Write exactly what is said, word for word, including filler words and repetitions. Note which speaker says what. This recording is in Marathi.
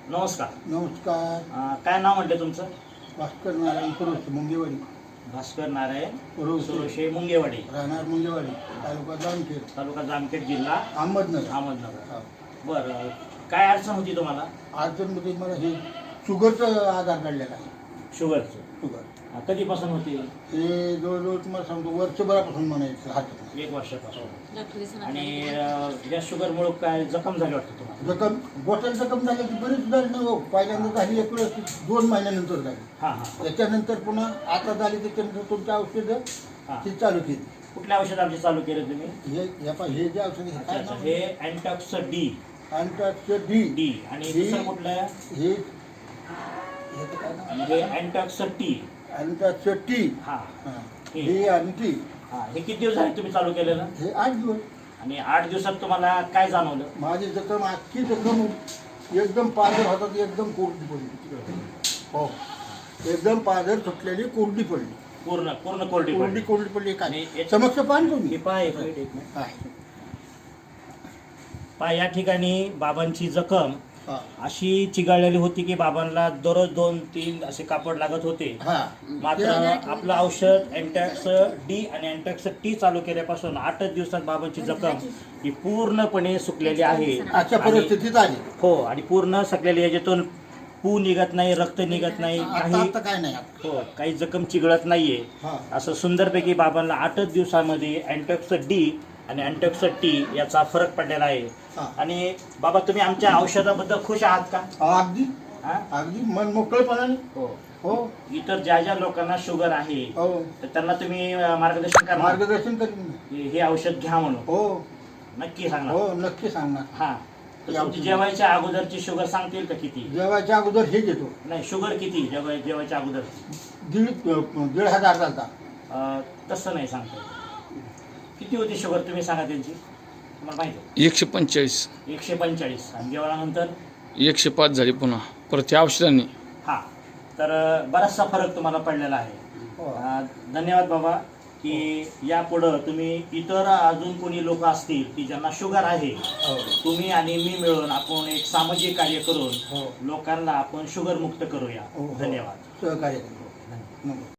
Speaker 1: नमस्कार.
Speaker 2: नमस्कार.
Speaker 1: अं, काय नाव म्हटलं तुमचं?
Speaker 2: भास्कर नारायण पुरोशे मुंगेवाडी.
Speaker 1: भास्कर नारायण
Speaker 2: पुरोशे
Speaker 1: सुरोशे मुंगेवाडी,
Speaker 2: राहणार मुंगेवाडी, तालुका जामखेड,
Speaker 1: तालुका जामखेड, जिल्हा
Speaker 2: अहमदनगर.
Speaker 1: अहमदनगर.
Speaker 2: हा.
Speaker 1: बरं, काय अडचण होती तुम्हाला?
Speaker 2: अडचणमध्ये मला हे शुगरचं आधार काढलेला आहे.
Speaker 1: शुगरचं
Speaker 2: शुगर
Speaker 1: अं, कधीपासून होती?
Speaker 2: हे जवळजवळ तुम्हाला सांगतो वर्षभरापासून म्हणायचं हातात.
Speaker 1: एक वर्षापासून. आणि अं, या शुगरमुळे काय जखम झाली वाटतं तुम्हाला?
Speaker 2: जखम गोट्याला जखम झाली की बरीच झाली नाही हो. पहिल्यांदा झाली एक वेळेस दोन महिन्यानंतर झाली.
Speaker 1: हां हां
Speaker 2: त्याच्यानंतर पुन्हा आता झाली त्याच्यानंतर तुमची औषधं
Speaker 1: हां.
Speaker 2: ती चालू केली.
Speaker 1: कुठल्या औषध आमचे चालू केले तुम्ही?
Speaker 2: हे हे पहा, हे जे औषध
Speaker 1: अच्छा अच्छा, हे Antox D
Speaker 2: Antox D
Speaker 1: D आणि
Speaker 2: डी.
Speaker 1: दुसरं कुठलं आहे?
Speaker 2: हे ह्याचं काय नाव?
Speaker 1: आणि हे अँटॉक्स टी.
Speaker 2: अँटॉक्स टी.
Speaker 1: हां
Speaker 2: हा.
Speaker 1: हे.
Speaker 2: हे आणि टी.
Speaker 1: हां, हे किती दिवस झाले तुम्ही चालू केलेलं?
Speaker 2: हे आठ दिवस.
Speaker 1: आणि आठ दिवसात तुम्हाला काय जाणवलं?
Speaker 2: माझी जखम अख्खी जखम एकदम पाझर होतात, एकदम कोरडी पडली. हो, एकदम पाझर सुटलेली कोरडी पडली.
Speaker 1: पूर्ण पूर्ण कोरडी
Speaker 2: कोरडी
Speaker 1: पडली.
Speaker 2: कोरडी पडली. काय
Speaker 1: आणि याच्या-
Speaker 2: समक्ष पान
Speaker 1: हे
Speaker 2: तुम्ही
Speaker 1: पहा, एक मिनिट, एक मिनिट.
Speaker 2: हा.
Speaker 1: पहा, या ठिकाणी बाबांची जखम
Speaker 2: हा.
Speaker 1: अशी चिघळलेली होती की बाबांना दररोज दोन तीन असे कापड लागत होते.
Speaker 2: हा.
Speaker 1: मात्र आपलं औषध अँटॅक्स डी आणि अँटॅक्स टी चालू केल्यापासून आठच दिवसात बाबांची जखम ही पूर्णपणे सुकलेली आहे.
Speaker 2: अशा
Speaker 1: आणि-
Speaker 2: परिस्थितीत आली.
Speaker 1: हो, आणि पूर्ण सगळ्या याच्यातून पू निघत नाही, रक्त निघत नाही,
Speaker 2: आता
Speaker 1: काही
Speaker 2: आता काय नाही आता.
Speaker 1: हो काही जखम चिघळत नाहीये.
Speaker 2: हा.
Speaker 1: असं सुंदरपैकी बाबांना आठच दिवसामध्ये अँटॉक्स डी आणि अँटॉक्स टी याचा फरक पडलेला आहे.
Speaker 2: हा.
Speaker 1: आणि बाबा, तुम्ही आमच्या औषधाबद्दल खुश आहात का?
Speaker 2: अगदी
Speaker 1: हा?
Speaker 2: अगदी मन मोकळेपणाने.
Speaker 1: हो.
Speaker 2: हो
Speaker 1: इतर ज्या ज्या लोकांना शुगर आहे
Speaker 2: हो
Speaker 1: तर त्यांना तुम्ही अं, मार्गदर्शन करणार
Speaker 2: मार्गदर्शन करीन.
Speaker 1: हे हे औषध घ्या म्हणून?
Speaker 2: हो
Speaker 1: नक्की सांगणार?
Speaker 2: हो नक्की सांगणार.
Speaker 1: हा. तर
Speaker 2: या
Speaker 1: तुमची
Speaker 2: औषध-
Speaker 1: जेवायच्या अगोदरची शुगर सांगतील का किती?
Speaker 2: जेवायच्या अगोदर हे घेतो.
Speaker 1: नाही, शुगर किती जेवाय जेवायच्या अगोदर?
Speaker 2: दीड दीड हजार झालता.
Speaker 1: अं, तसं नाही सांगता येत. किती होती शुगर तुम्ही सांगा त्यांची, तुम्हाला माहिती आहे?
Speaker 3: एकशे पंचेचाळीस
Speaker 1: एकशे पंचेचाळीस. आणि जेवणानंतर
Speaker 3: एकशे पाच झाली पुन्हा परत या औषधांनी.
Speaker 1: हा. तर अं, बराचसा फरक तुम्हाला पडलेला आहे.
Speaker 2: हो.
Speaker 1: अं, धन्यवाद बाबा, की यापुढं तुम्ही इतर अजून कोणी लोक असतील की ज्यांना शुगर आहे,
Speaker 2: हो.
Speaker 1: तुम्ही आणि मी मिळून आपण एक सामाजिक कार्य करून
Speaker 2: हो.
Speaker 1: लोकांना आपण शुगर मुक्त करूया.
Speaker 2: हो, हो.
Speaker 1: धन्यवाद.
Speaker 2: सहकार्य करू.
Speaker 1: धन्यवाद.
Speaker 2: नमस्कार.